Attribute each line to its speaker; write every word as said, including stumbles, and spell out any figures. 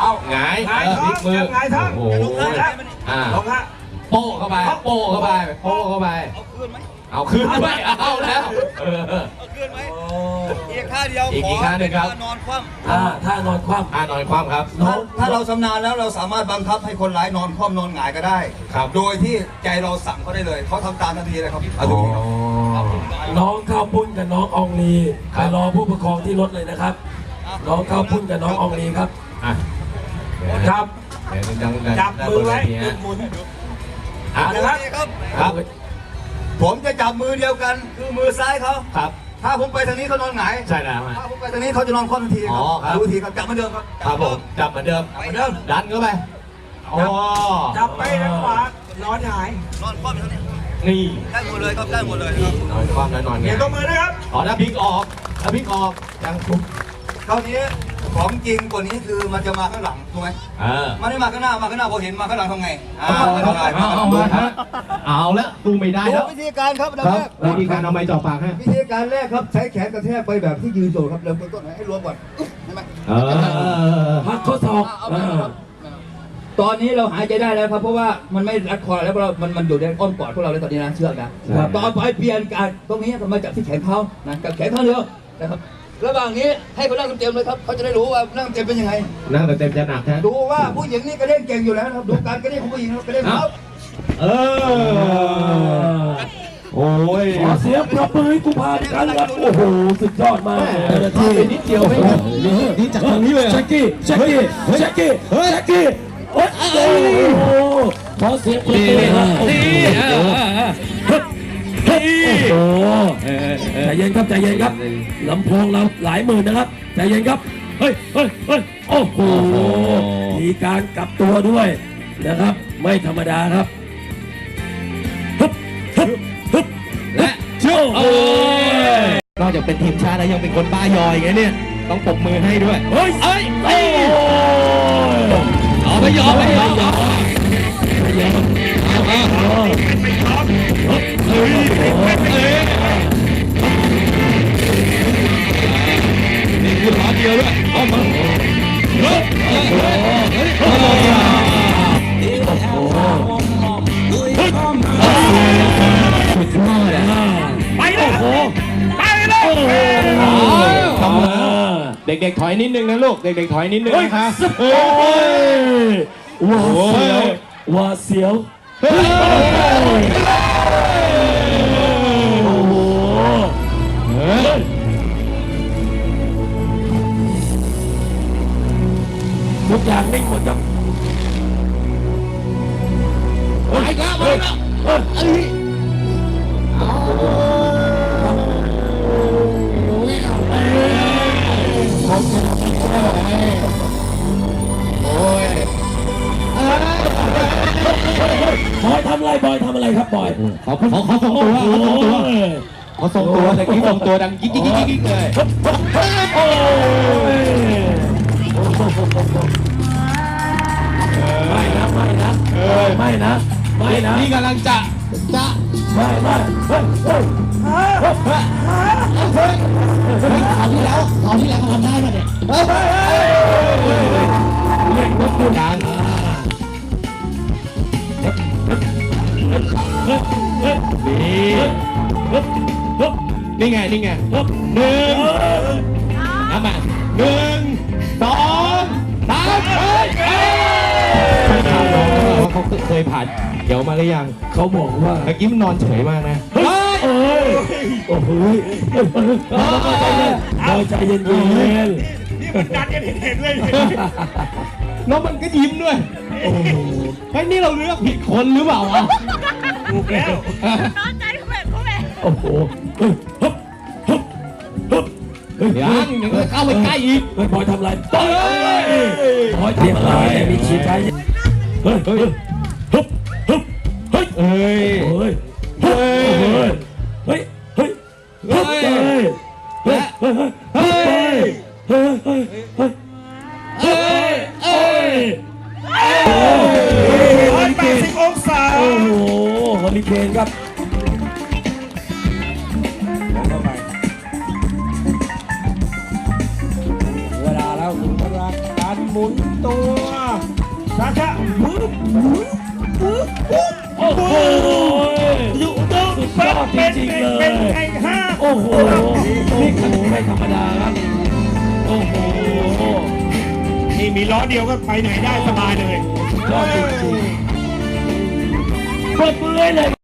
Speaker 1: เอาหงายเออพลิกมือ
Speaker 2: หงายท้อง
Speaker 1: โอ้โหอ่า
Speaker 2: ลงฮะ
Speaker 1: โป้เข้าไปโป้เข้าไปโป้เข้าไปเอาคืนไหมเอาคืนด้วยเอาแล้วเออ
Speaker 3: เอาคืนไหมอีกท่าเดียว
Speaker 1: อีกอีกท่าหนึ่งครับ
Speaker 3: นอนคว่ำ
Speaker 4: อ่าถ้านอนคว่ำ
Speaker 1: อ่านอนคว่ำครับ
Speaker 3: ถ้าถ้าเราชำนาญแล้วเราสามารถบังคับให้คนร้ายนอนคว่ำนอนหงายก็ได้
Speaker 1: ครับ
Speaker 3: โดยที่ใจเราสั่งเขาได้เลยเขาทำตามทันทีเลยครับเอาดูครับ
Speaker 4: น้องข้าวปุ้นกับน้องอองลีไปรอผู้ปกครองที่รถเลยนะครับ น้องข้าวปุ้นกับน้องอองลีครับ
Speaker 1: อ่ะ
Speaker 2: ครับ
Speaker 1: เดี๋ยวดังๆ
Speaker 2: จับมือไว้
Speaker 1: ด้านบนเวทีฮะ
Speaker 2: หมุน
Speaker 1: อ่ะ
Speaker 2: นะครับ
Speaker 3: ครับ
Speaker 1: ครับ
Speaker 3: ผมจะจับมือเดียวกันคือมือซ้ายเขา
Speaker 1: ครับ
Speaker 3: ถ้าผมไปทางนี้เขานอนหงาย
Speaker 1: ใช่แล้วฮะ
Speaker 3: ถ้าผมไปทางนี้เขาจะนอนคว่ำทันทีค
Speaker 1: อ๋
Speaker 3: รั
Speaker 1: อครับ
Speaker 3: ดูทีครับจับเหมือนเดิมครับ
Speaker 1: ครับผมจับเหมือนเดิม
Speaker 3: เหมือนเดิม
Speaker 1: ดันเข้าไปอ๋อ
Speaker 2: จับไปทางขวานอนหงาย
Speaker 3: นอนคว่ำอยู่เท่านี้
Speaker 1: นี่
Speaker 3: ได้หมดเลยครับได้หมดเลยครับ
Speaker 1: นอนคว่ำแล้วนอน
Speaker 2: เดี๋
Speaker 1: เงี้
Speaker 2: ย
Speaker 1: ยว
Speaker 2: ตัวมือนะครับ
Speaker 1: อ๋อถ้าพลิกออกถ้าพลิกออกยังทุบ
Speaker 3: คราวนี้ของจริงกว่านี้คือมันจะมาข้างหลังถูกไหม
Speaker 1: เออ
Speaker 3: มันไม่มาข้างหน้ามาข้างหน้าพอเห็นมาข้างหลังทำไงอ่า
Speaker 1: เอา
Speaker 3: ไม่
Speaker 1: เอา
Speaker 3: ทำไง
Speaker 1: เอาเอามาฮะเอาแล้วดูไม่ได้
Speaker 3: ดู
Speaker 1: แล้ว
Speaker 3: วิธีการครับอันดับ
Speaker 1: ครับ
Speaker 3: แรก
Speaker 1: วิธีการเอาไม้จ่อปากฮะ
Speaker 3: วิธีการแรกครับใช้แขนกระแทกไปแบบที่ยืนโจครับเริ่มต้นให้รวมก่อนอึ๊บเห็นไหม
Speaker 1: เออ
Speaker 4: พักข้อศอก
Speaker 3: เอาไปครับตอนนี้เราหายใจได้แล้วครับเพราะว่ามันไม่รัดคอแล้วเรามันมันอยู่ในอ้อมกอดพวกเราแล้วตอนนี้นะเชือกนะต่อไปเปลี่ยนการตรงนี้ผมมาจับที่แขนเขานะกับแขนข้างเดียวนะครับระหว่างนี้ให้เขานั่งเต็มๆเลยครับเขาจะได้รู้ว่านั่งเต็มเป็นยังไง
Speaker 1: นั่งแต่เต็มจะหนักฮะ
Speaker 3: ดูว่าผู้หญิงนี่กระเด้งเก่งอยู่แล้วนะครับดูการกระเด้งของผู้หญิงครับกระเด้งครับ
Speaker 1: เออโอ้ย
Speaker 4: ขอเสียงปรบมือให้กูพากันครับโอ้โหสุดยอดมาก
Speaker 1: ที่นิดเดียวไม่นี่จากตรงนี้เลย
Speaker 4: แจ็คกี้แจ็คกี้แจ็คกี้แจ็คกี้โอ้โหขอเสียงปรบมือครับโอ้โหโอ้โหใจเย็นครับใจเย็นครับลำโพงเราหลายหมื่นนะครับใจเย็นครับเฮ้ยเฮ้ยเฮ้ยโอ้โหมีการกลับตัวด้วยนะครับไม่ธรรมดาครับฮึบฮึบฮึบและโจ้โอ้ย
Speaker 1: นอกจากเป็นทีมชาติแล้วยังเป็นคนบ้ายอยไงเนี่ยต้องปรบมือให้ด้วย
Speaker 4: เฮ้ยเฮ้ยโอ้ย
Speaker 1: เอาไม่ยอมไม่ยอม
Speaker 4: ไม่ยอมเอาเอาเฮ้ยเฮ้ย
Speaker 1: นี่คือขาเดียวด้วยเอามาเฮ้ยเฮ้ยเฮ้ย
Speaker 4: โอ้โหสุดยอดอ่ะไปเลยโอ้โหไปเลยโอ้โห
Speaker 1: เด็กๆถอยนิดนึงนะลูกเด็กๆถอยนิดนึงนะคะ
Speaker 4: โอ้ยว้าเสียวว้าเสียวโอ้โหทุกอย่างนิ่งหมดครับไปครับไปครับบอยทำอะไรบอยทำอะไรครับบอย
Speaker 1: เขาเขาเขาส่งตัวเขาส่งตัวเขาส่งตัวแต่กี้ส่งตัวดังกิ๊กกิ๊กกิ๊กกิ๊กเลย
Speaker 4: โอ้ยไม่นะไม่นะไม่นะไม่นะ
Speaker 1: นี่กำลังจะจะ
Speaker 4: ไม่ไม่เฮ้ยเฮ้ย
Speaker 1: คราวที่แล้วคราวที่แล้วเขาทำได้ป่ะเนี่ย
Speaker 4: เล่นรถดู
Speaker 1: ดังนี่นี่ไงนี่ไงหนึ่งนับมาหนึ่งสองสามเฮ้ยไปถามน้องว่าเขาเคยผ่านเดี๋ยวมาหรือยัง
Speaker 4: เขาบอกว่า
Speaker 1: เมื่อกี้มันนอนเฉยมากนะ
Speaker 4: เฮ้ยเอ้ยโอ้โหใจเย็นใจเย็น
Speaker 2: นี่มันดันกันเห็นๆเลย
Speaker 1: แล้วมันก็ยิ้มด้วยโอ้โหเฮ้ยนี่เราเลือกผิดคนหรือเปล่าวะ
Speaker 2: ถูกแล้ว
Speaker 5: น้องใจเขาแบบเขาแบบ
Speaker 4: โอ้โหเฮ้ยฮึบฮึบฮึบเฮ้ย
Speaker 1: ยังยังเข้าไปใกล้อีก
Speaker 4: เฮ้ยบอยทำอะไรบอยบอยทำอะไรมีชีพใจเฮ้ยเฮ้ยฮึบฮึบเฮ้ย
Speaker 1: เอ้ย
Speaker 4: เฮ้ยเฮ้ยเฮ้ยเฮ้ยเฮ้ยเฮ้ยเฮ้ยเฮ้ยเฮ้ยเฮ้ยเฮ้ยเฮ้ยเฮ้ยเฮ้ย
Speaker 2: ร้อยแปดสิบองศา
Speaker 4: โอ้โหเฮอริเคนครับเวลาแล้วคุณรักกัน
Speaker 2: หมุนตัวช้าๆปึ๊บปึ๊บปึ๊บปึ๊บ
Speaker 4: โอ้โห
Speaker 2: อยู่ตรง
Speaker 4: สุดย
Speaker 2: เป็น
Speaker 4: อดจ
Speaker 2: เป็น
Speaker 4: ริงๆเล
Speaker 2: เป็น
Speaker 4: ย
Speaker 2: ไอ้ห้า
Speaker 4: โอ้โหนี่ขนาดไม่ธรรมดาครับ โอ้โห
Speaker 2: นี่มีล้อเดียวก็ไปไหนได้สบายเลย
Speaker 4: ยอดจริงๆปรบมือให้เลย